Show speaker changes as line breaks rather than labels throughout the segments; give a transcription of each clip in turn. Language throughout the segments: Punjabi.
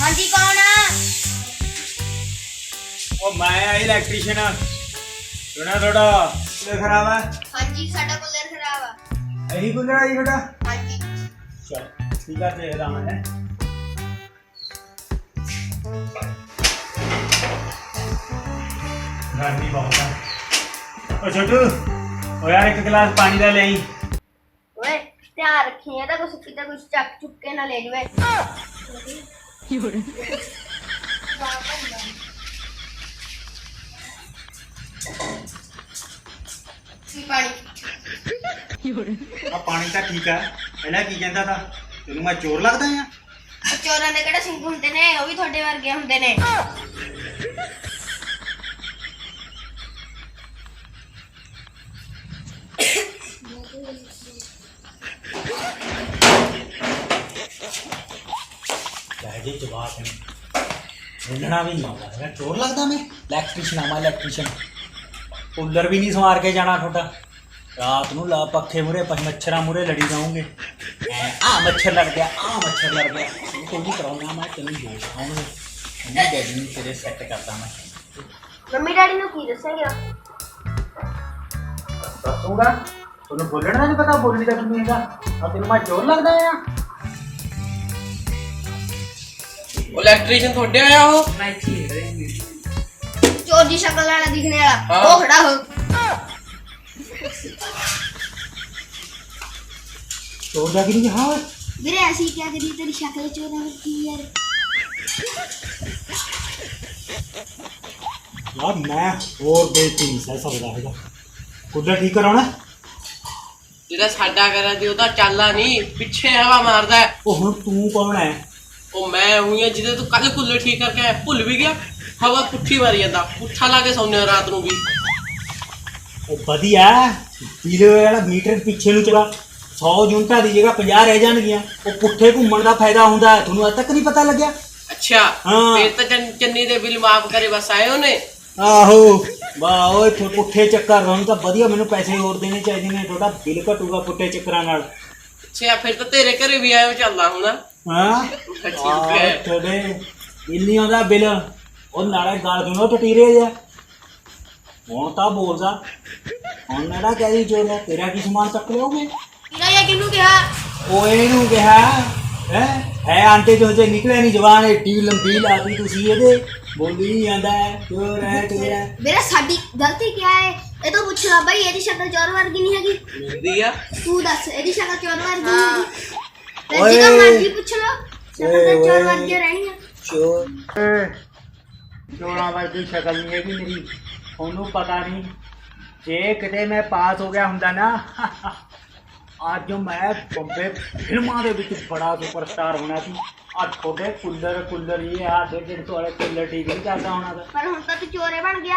हाँ जी कौन है?
ਉਹ ਮੈਂ ਇਲੈਕਟ੍ਰੀਸ਼ੀਅਨ ਸੁਣਾ ਤੁਹਾਡਾ ਕੂਲਰ ਖਰਾਬ ਹੈ।
हाँ जी साडा कूलर खराब है।
ਇਹੀ ਕੂਲਰ ਹੈ ਜੀ ਤੁਹਾਡਾ?
हाँ जी
ਚਲ ਠੀਕ ਆ ਦੇਖਦਾ ਮੈਂ। ਗਰਮੀ ਬਹੁਤ ਹੈ। ਉਹ ਛੋਟੂ ਉਹ ਯਾਰ ਇੱਕ ਗਲਾਸ ਪਾਣੀ ਦਾ ਲੈ ਆਈ।
ओए ध्यान रखी है कुछ कितना कुछ चक चुक के ना ले जाए।
ਆ ਪਾਣੀ ਤਾਂ ਠੀਕ ਹੈ। ਪਹਿਲਾਂ ਕੀ ਕਹਿੰਦਾ ਤਾ ਤੈਨੂੰ ਮੈਂ ਚੋਰ ਲੱਗਦਾ ਆ?
ਚੋਰਾਂ ਦੇ ਕਿਹੜੇ ਸਿੰਘ ਹੁੰਦੇ ਨੇ, ਉਹ ਵੀ ਤੁਹਾਡੇ ਵਰਗੇ ਹੁੰਦੇ ਨੇ।
ਜੀ ਜਵਾਬ ਹੈ ਬੋਲਣਾ ਵੀ ਨਹੀਂ ਆਉਂਦਾ ਹੈਗਾ। ਚੋਰ ਲੱਗਦਾ ਮੈਂ? ਇਲੈਕਟ੍ਰੀਸ਼ੀਅਨ ਆ ਮੈਂ ਇਲੈਕਟ੍ਰੀਸ਼ੀਅਨ। ਕੂਲਰ ਵੀ ਨਹੀਂ ਸਵਾਰ ਕੇ ਜਾਣਾ ਤੁਹਾਡਾ। ਰਾਤ ਨੂੰ ਲਾ ਪੱਖੇ ਮੂਰੇ ਮੱਛਰਾਂ ਮੂਰੇ ਲੜੀ ਜਾਓਗੇ। ਆ ਮੱਛਰ ਲੜ ਗਿਆ, ਆ ਮੱਛਰ ਲੜ ਗਿਆ। ਕੋਈ ਨਹੀਂ ਕਰਾਉਣਾ ਮੈਂ ਤੈਨੂੰ ਦੋਸ਼ ਆਉਣਗੇ। ਮੰਮੀ ਡੈਡੀ ਨੂੰ ਤੇਰੇ ਸੈੱਟ ਕਰਦਾ ਮੈਂ।
ਮੰਮੀ ਡੈਡੀ ਨੂੰ ਕੀ ਦੱਸਾਂਗੇ?
ਦੱਸੂਗਾ ਤੁਹਾਨੂੰ ਬੋਲਣਾ ਨਹੀਂ ਪਤਾ, ਬੋਲਣੀ ਤਾਂ ਨਹੀਂ ਹੈਗਾ। ਆ ਤੈਨੂੰ ਮੈਂ ਚੋਰ ਲੱਗਦਾ ਆ?
इलेक्ट्रीशियन थोड़े आया हो
चोर की शक्ल वाला दिखने वाला
हाँ।
वो खड़ा हो।
चोर जाके नहीं हाँ
मेरे ऐसी क्या करी तेरी शक्ल चोर की यार।
यार मैं और बेइज्जती नहीं सह सकता है। कूलर ठीक कराना
जेड़ा साडा करा दी ओदा चाला नहीं पीछे हवा मारदा है।
ओ हुन तू कौन है?
ओ मैं हुई है जिदे तू कल कूलर ठीक करके आया भुल भी गया। हवा पुट्ठी मारी जांदा पुट्ठा ला के सौने रात ਨੂੰ भी।
ओ बढ़िया पीले वाला मीटर ਪਿੱਛੇ ਨੂੰ ਚਲਾ 100 ਯੂਨਿਟਾਂ ਦੀ ਜਗ੍ਹਾ 50 ਰਹਿ ਜਾਣਗੀਆਂ। ਉਹ ਪੁੱਠੇ ਘੁੰਮਣ ਦਾ ਫਾਇਦਾ ਹੁੰਦਾ ਹੈ। ਤੁਹਾਨੂੰ ਅਜੇ ਤੱਕ ਨਹੀਂ ਪਤਾ ਲੱਗਿਆ?
अच्छा
हाँ।
फिर तो चन्नी दे बिल माफ करे बस आए होने।
ਆਹੋ ਵਾਹ ਓਏ ਪੁੱਠੇ ਚੱਕਰ ਤੁਹਾਨੂੰ ਤਾਂ ਵਧੀਆ। ਮੈਨੂੰ ਪੈਸੇ ਹੋਰ ਦੇਣੇ ਚਾਹੀਦੇ ਨੇ। ਤੁਹਾਡਾ ਬਿੱਲ ਘਟੂਗਾ ਪੁੱਠੇ ਚੱਕਰਾਂ ਨਾਲ।
अच्छा फिर तो तेरे घरे भी आए हो चलदा हुणा।
ਹਾਂ ਤੁਹਾਡੇ ਬਿੱਲ ਨਹੀਂ ਆਉਂਦਾ ਬਿੱਲ। ਉਹ ਨਾਲੇ ਗੱਲ ਸੁਣੋ ਟਟੀਰੇ ਜਿਹਾ ਹੁਣ ਤਾਂ ਬੋਲਦਾ। ਹੁਣ ਨਾੜਾ ਕਹਿ ਚੋਰ ਹੈ ਤੇਰਾ ਕੀ ਸਮਾਨ ਚੱਕ ਲਿਓਗੇ?
ਕਿਹੜਾ ਜਾਂ ਕਿਹਨੂੰ ਕਿਹਾ?
ਉਹ ਇਹਨੂੰ ਕਿਹਾ ਹੈ ਆਂਟੇ ਚੋਂ ਜੇ ਨਿਕਲਿਆ ਨਹੀਂ ਜਵਾਨ ਏਡੀ ਲੰਬੀ ਲਾਤੀ ਤੁਸੀਂ ਇਹਦੇ ਬੋਲੀ ਨਹੀਂ ਜਾਂਦਾ ਚੋਰ ਹੈ ਚੋਰ ਹੈ।
मेरा साडी गलती क्या है? ये तो पूछ ला भाई ਇਹਦੀ ਸ਼ਕਲ ਚੋਰ ਵਰਗੀ ਨਹੀਂ ਹੈਗੀ।
मिलदी आ
ਤੂੰ ਦੱਸ ਇਹਦੀ ਸ਼ਕਲ ਚੋਰ ਵਰਗੀ ਨਹੀਂ ਹੈਗੀ।
ਓਏ।
ਜਿੱਦਾਂ ਮਰਜ਼ੀ ਪੁੱਛ ਲਓ ਸ਼ਕਲ ਤਾਂ
ਓਏ,
ਚੋਰ
ਓਏ।
ਵਰਗੀ ਰਹਿਣੀ ਆ।
ਚੋਰਾਂ ਵਰਗੀ ਸ਼ਕਲ ਨਹੀਂ ਹੈਗੀ ਮੇਰੀ। ਉਹਨੂੰ ਪਤਾ ਨਹੀਂ ਜੇ ਕਿਤੇ ਮੈਂ ਪਾਸ ਹੋ ਗਿਆ ਹੁੰਦਾ ਨਾ ਅੱਜ ਮੈਂ ਬੰਬੇ ਫਿਲਮਾਂ ਦੇ ਵਿੱਚ ਬੜਾ ਸੁਪਰਸਟਾਰ ਹੋਣਾ ਸੀ। ਆ ਤੁਹਾਡੇ ਕੂਲਰ ਇਹ ਆ 150 ਵਾਲੇ ਕੂਲਰ ਠੀਕ ਨਹੀਂ ਕਰਦਾ ਹੋਣਾ ਤਾਂ।
ਪਰ ਹੁਣ ਤਾਂ ਤੂੰ ਚੋਰੇ ਬਣ ਗਿਆ।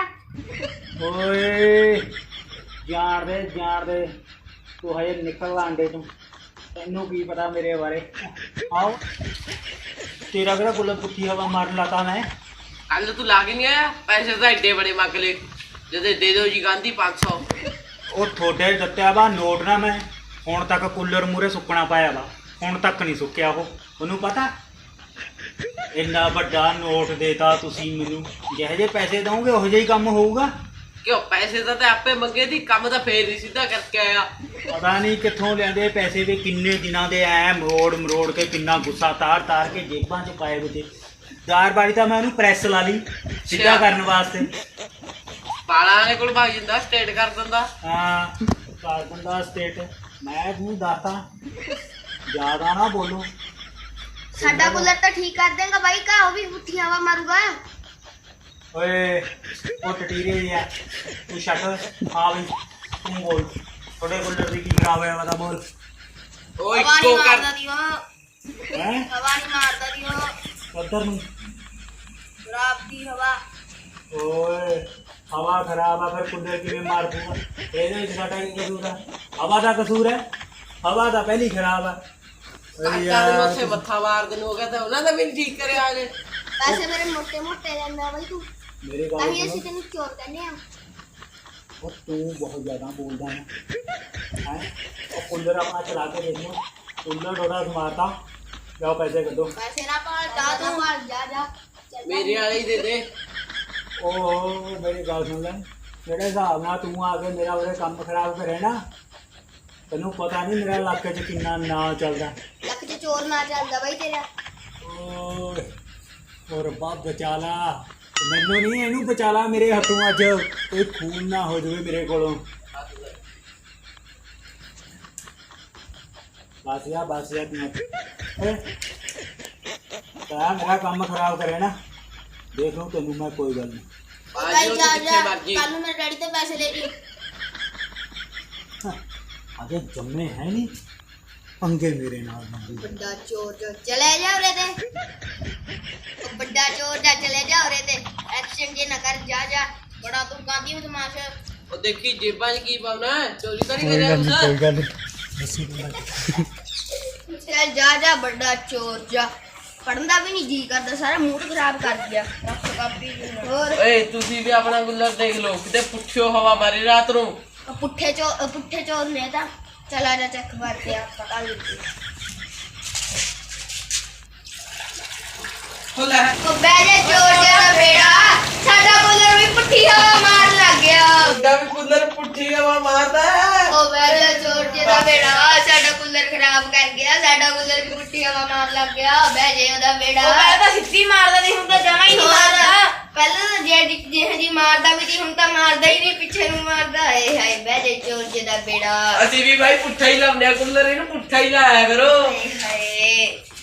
ਓਏ ਜਾਣ ਦੇ ਤੂੰ ਹਜੇ ਨਿਕਲ ਆਂਡੇ ਤੋਂ। ਤੈਨੂੰ ਕੀ ਪਤਾ ਮੇਰੇ ਬਾਰੇ? ਆਓ ਤੇਰਾ ਕਿਹੜਾ ਕੂਲਰ ਪੁੱਠੀ ਹਵਾ ਮਾਰਨ ਲੱਗਾ ਮੈਂ?
कल तू लाके नहीं आया पैसे तो एडे बड़े मंग ले जदे दे दो जी गांधी 500।
ਉਹ ਤੁਹਾਡੇ ਦਿੱਤਿਆ ਵਾ ਨੋਟ ਨਾ ਮੈਂ ਹੁਣ ਤੱਕ ਕੂਲਰ ਮੂਰੇ ਸੁੱਕਣਾ ਪਾਇਆ ਵਾ। ਹੁਣ ਤੱਕ ਨਹੀਂ ਸੁੱਕਿਆ ਉਹ। ਉਹਨੂੰ ਪਤਾ ਇੰਨਾ ਵੱਡਾ ਨੋਟ ਦੇਤਾ ਤੁਸੀਂ ਮੈਨੂੰ। ਜਿਹੇ ਜਿਹੇ ਪੈਸੇ ਦਓਗੇ ਉਹੋ ਜਿਹਾ ਹੀ ਕੰਮ ਹੋਊਗਾ।
क्यों पैसे तो आपे मंगे थी काम तो फिर नहीं सीधा करके आया।
ਪਤਾ ਨਹੀਂ ਕਿੱਥੋਂ ਲਿਆਂਦੇ ਪੈਸੇ ਵੀ ਕਿੰਨੇ ਦਿਨਾਂ ਦੇ ਐ ਮਰੋੜ ਕੇ ਕਿੰਨਾ ਗੁੱਸਾ ਤਾਰ ਕੇ ਜੇਬਾਂ 'ਚ ਪਾਏ ਵੇ ਤੇ। ਦਾਰ ਬਾਰੀ ਤਾਂ ਮੈਂ ਉਹਨੂੰ ਪ੍ਰੈਸ ਲਾ ਲਈ ਸਿੱਧਾ ਕਰਨ ਵਾਸਤੇ।
बाला ने कोल भाग जिंदा स्टेट कर दिंदा।
ਹਾਂ ਕਰ ਦਿੰਦਾ ਸਟੇਟ। ਮੈਂ ਤੁਹਾਨੂੰ ਦੱਸਦਾ ਜ਼ਿਆਦਾ ਨਾ ਬੋਲੋ।
ਸਾਡਾ ਕੂਲਰ ਤਾਂ ਠੀਕ ਕਰ ਦੇਗਾ ਬਾਈ ਕਾ ਉਹ ਵੀ ਪੁੱਠੀ ਹਵਾ ਮਾਰੂਗਾ।
ਓਏ ਉਹ ਟਟੀਰੇ ਜਿਹਾ ਤੂੰ ਛੱਡ। ਹਾਂ ਬਈ ਤੂੰ ਬੋਲ ਤੁਹਾਡੇ ਕੂਲਰ ਦੀ ਕੀ ਖਰਾਬ ਹੋਇਆ ਵਾ ਬੋਲ।
ओ
ਹਵਾ
इको
ਨਹੀਂ
कर
ਮਾਰਦਾ ਦੀ ਉਹ।
ਹੈ
ਹਵਾ ਨਹੀਂ ਮਾਰਦਾ ਦੀ ਉਹ।
ਉੱਧਰ ਨੂੰ
ਖਰਾਬ ਦੀ ਹਵਾ।
ਓਏ ਹਵਾ ਖਰਾਬ ਆ ਫਿਰ ਕੂਲਰ ਕਿਵੇਂ ਮਾਰ ਦੂੰਗਾ? ਇਹਦੇ ਵਿੱਚ ਸਾਡਾ ਕੀ ਕਸੂਰ ਆ? ਹਵਾ ਦਾ ਕਸੂਰ ਹੈ? ਹਵਾ ਤਾਂ ਪਹਿਲੀ ਖਰਾਬ ਆ।
ਉੱਥੇ ਮੱਥਾ ਮਾਰ ਦੇਣ ਹੋ ਗਿਆ ਤਾਂ ਉਹਨਾਂ ਦਾ ਵੀ ਨਹੀਂ ਠੀਕ ਕਰਿਆ ਹਲੇ।
ਪੈਸੇ ਮੇਰੇ ਮੋਟੇ ਮੋਟੇ ਲੈਂਦਾ ਬਾਈ ਤੂੰ।
ਮੇਰੇ
ਤਾਂ
ਗੱਲ
ਹੀ
ਸੁਣੋ।
ਅਸੀਂ ਤੈਨੂੰ ਚੋਰ ਕਹਿੰਦੇ ਆ।
ਉਹ ਤੂੰ ਬਹੁਤ ਜ਼ਿਆਦਾ ਬੋਲਦਾ ਹੈ। ਉਹ ਕੂਲਰ ਆਪਣਾ ਚਲਾ ਕੇ ਦੇਖ ਲਓ। ਕੂਲਰ ਥੋੜਾ ਸਮਾਰਤਾ ਜਾਓ ਪੈਸੇ ਕੱਢੋ।
ਪੈਸੇ ਨਾ ਭਾਲ ਜਾ ਤੂੰ ਜਾ ਜਾ ਚੱਲ
ਮੇਰੇ ਵਾਲੇ ਹੀ ਦੇ ਦੇ।
ਉਹ ਮੇਰੀ ਗੱਲ ਸੁਣ ਲੈ, ਜਿਹੜੇ ਹਿਸਾਬ ਨਾਲ ਤੂੰ ਆ ਕੇ ਮੇਰਾ ਉਹਦੇ ਕੰਮ ਖਰਾਬ ਕਰੇ ਨਾ, ਤੈਨੂੰ ਪਤਾ ਨਹੀਂ ਮੇਰਾ ਇਲਾਕੇ 'ਚ ਕਿੰਨਾ ਨਾਂ ਚੱਲਦਾ।
ਲੱਖ ਚ ਚੋਰ ਨਾ ਚੱਲਦਾ ਬਾਈ ਤੇਰਾ।
ਓਏ ਓ ਰੱਬਾ ਬਚਾ ਲਾ ਮੈਨੂੰ, ਨਹੀਂ ਇਹਨੂੰ ਬਚਾ ਲਾ ਮੇਰੇ ਹੱਥੋਂ, ਅੱਜ ਕੋਈ ਖੂਨ ਨਾ ਹੋ ਜਾਵੇ ਮੇਰੇ ਕੋਲੋਂ। ਬਸ ਯਾਰ ਤੂੰ ਤਾਂ ਮੇਰਾ ਕੰਮ ਖਰਾਬ ਕਰੇ ਨਾ, ਦੇਖ ਲਓ ਤੈਨੂੰ ਮੈਂ, ਕੋਈ ਗੱਲ ਨਹੀਂ।
ਬਾਈ ਜਾ
ਜਿੱਥੇ
ਜਾ
ਮਰਜੀ।
ਕੱਲ ਨੂੰ ਮੇਰੇ ਡੈਡੀ ਤੋਂ ਪੈਸੇ ਲੈ ਲਈ।
ਅਜੇ ਜੰਮੇ ਹੈ ਨਹੀਂ ਪੰਗੇ ਮੇਰੇ ਨਾਲ ਮੰਗੀ।
ਵੱਡਾ ਚੋਰ ਜੋ ਚਲੇ ਜਾ ਉਰੇ ਤੇ, ਉਹ ਵੱਡਾ ਚੋਰ ਜਾ ਚਲੇ ਜਾ ਉਰੇ ਤੇ, ਐਕਸ਼ਨ ਜੇ ਨਾ ਕਰ, ਜਾ ਜਾ ਬੜਾ ਤੂੰ ਕਾਂਦੀ ਨੂੰ ਤਮਾਸ਼ਾ।
ਉਹ ਦੇਖੀ ਜੇਬਾਂ 'ਚ ਕੀ ਪਾਉਣਾ ਹੈ, ਚੋਰੀ ਤਾਂ ਨਹੀਂ ਕਰਿਆ ਕੁਛ।
ਗੱਲ ਨਹੀਂ।
ਚੱਲ ਜਾ ਜਾ ਵੱਡਾ ਚੋਰ ਜਾ, ਪੜਨ ਦਾ ਵੀ ਨਹੀਂ ਜੀ ਕਰਦਾ, ਸਾਰਾ ਮੂਡ ਖਰਾਬ ਕਰ ਦਿਆ। ਰੱਖ ਕਾਪੀ ਹੋਰ
ਓਏ ਤੁਸੀਂ ਵੀ ਆਪਣਾ ਗੁੱਲਰ ਦੇਖ ਲਓ, ਕਿਤੇ ਪੁੱਛਿਓ ਹਵਾ ਮਾਰੇ ਰਾਤ ਨੂੰ।
ਉਹ ਪੁੱਠੇ ਚੋਰ ਨੇ ਤਾਂ। ਚਲ ਆ ਜਾ ਚੱਕ ਮਾਰ ਕੇ ਆ ਪਤਾ ਲੱਗੀ।
ਹੋ ਲੈ
ਉਹ ਬਹਿ ਜਾ ਚੋਰ ਜਿਹੜਾ ਬੇੜਾ, ਸਾਡਾ ਬੁੱਲਰ ਵੀ ਪੁੱਠੀ ਹਵਾ ਮਾਰ ਲੱਗ ਗਿਆ।
ਉਹਦਾ ਵੀ ਗੁੱਲਰ ਪੁੱਠੀ ਹਵਾ ਮਾਰਦਾ ਹੈ।
ਉਹ ਬਹਿ ਜਾ ਚੋਰ ਜਿਹੜਾ ਬੇੜਾ, ਸਾਡਾ ਕੂਲਰ ਖਰਾਬ ਕਰ ਗਿਆ, ਸਾਡਾ ਕੂਲਰ ਵੀ ਪੁੱਠੀ ਹਵਾ ਮਾਰ ਲੱਗ ਗਿਆ। ਬਹਿ ਜੇ ਉਹਦਾ ਬੇੜਾ।
ਉਹ ਪਹਿਲਾਂ ਤਾਂ ਸਿੱਧੀ ਮਾਰਦਾ ਸੀ, ਹੁਣ ਤਾਂ ਜਮਾ ਹੀ ਨਹੀਂ ਮਾਰਦਾ।
ਪਹਿਲਾਂ ਤਾਂ ਜਿਹੇ ਜੀ ਮਾਰਦਾ ਵੀ ਸੀ, ਹੁਣ ਤਾਂ ਮਾਰਦਾ ਹੀ ਨਹੀਂ, ਪਿੱਛੇ ਨੂੰ ਮਾਰਦਾ। ਹਾਏ ਹਾਏ ਬਹਿ ਜੇ ਚੋਰ ਜਿਹਦਾ ਬੇੜਾ।
ਅਸੀਂ ਵੀ ਭਾਈ ਪੁੱਠਾ ਹੀ ਲਾਉਂਦੇ ਆ ਗੁੱਲਰ, ਇਹਨੂੰ ਪੁੱਠਾ ਹੀ ਲਾਇਆ ਕਰੋ।
ਹਾਏ ਹਾਏ